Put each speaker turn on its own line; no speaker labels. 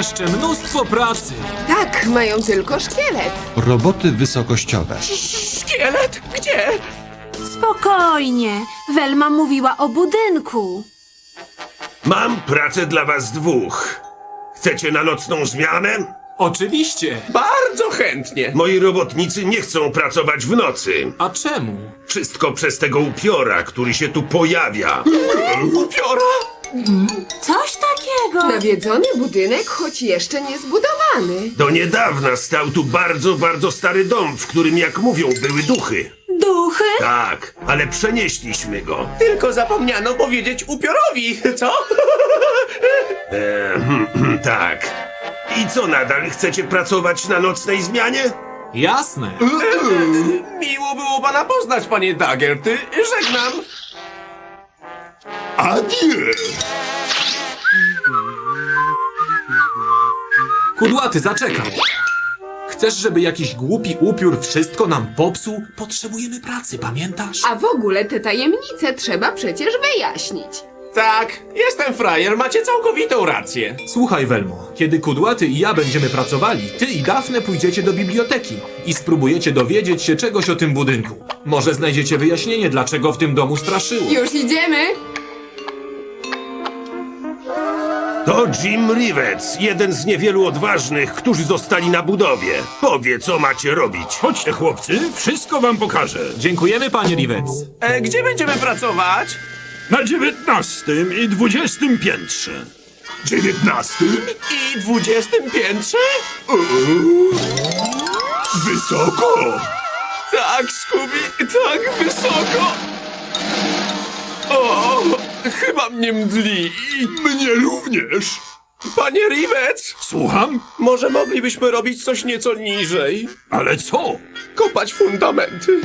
jeszcze mnóstwo pracy.
Tak, mają tylko szkielet.
Roboty wysokościowe.
Szkielet? Gdzie?
Spokojnie. Welma mówiła o budynku.
Mam pracę dla was dwóch. Chcecie na nocną zmianę?
Oczywiście.
Bardzo chętnie.
Moi robotnicy nie chcą pracować w nocy.
A czemu?
Wszystko przez tego upiora, który się tu pojawia.
Upiora?
Coś takiego.
Nawiedzony budynek, choć jeszcze nie zbudowany.
Do niedawna stał tu bardzo, bardzo stary dom, w którym, jak mówią, były duchy.
Duchy?
Tak, ale przenieśliśmy go.
Tylko zapomniano powiedzieć upiorowi, co?
Tak. I co nadal? Chcecie pracować na nocnej zmianie?
Jasne.
Miło było pana poznać, panie Daggerty. Żegnam.
Adieu!
Kudłaty, zaczekaj. Chcesz, żeby jakiś głupi upiór wszystko nam popsuł? Potrzebujemy pracy, pamiętasz?
A w ogóle te tajemnice trzeba przecież wyjaśnić.
Tak, jestem frajer, macie całkowitą rację.
Słuchaj, Welmo, kiedy Kudłaty i ja będziemy pracowali, ty i Dafne pójdziecie do biblioteki i spróbujecie dowiedzieć się czegoś o tym budynku. Może znajdziecie wyjaśnienie, dlaczego w tym domu straszyło.
Już idziemy.
To Jim Rivets, jeden z niewielu odważnych, którzy zostali na budowie. Powie, co macie robić.
Chodźcie, chłopcy, wszystko wam pokażę.
Dziękujemy, panie Rivets.
Gdzie będziemy pracować?
Na 19 i 20 piętrze. 19?
I 20 piętrze?
Wysoko!
Tak, Scooby, tak wysoko. O, chyba mnie mdli.
Mnie również.
Panie Rivets,
Słucham?
może moglibyśmy robić coś nieco niżej?
Ale co?
Kopać fundamenty.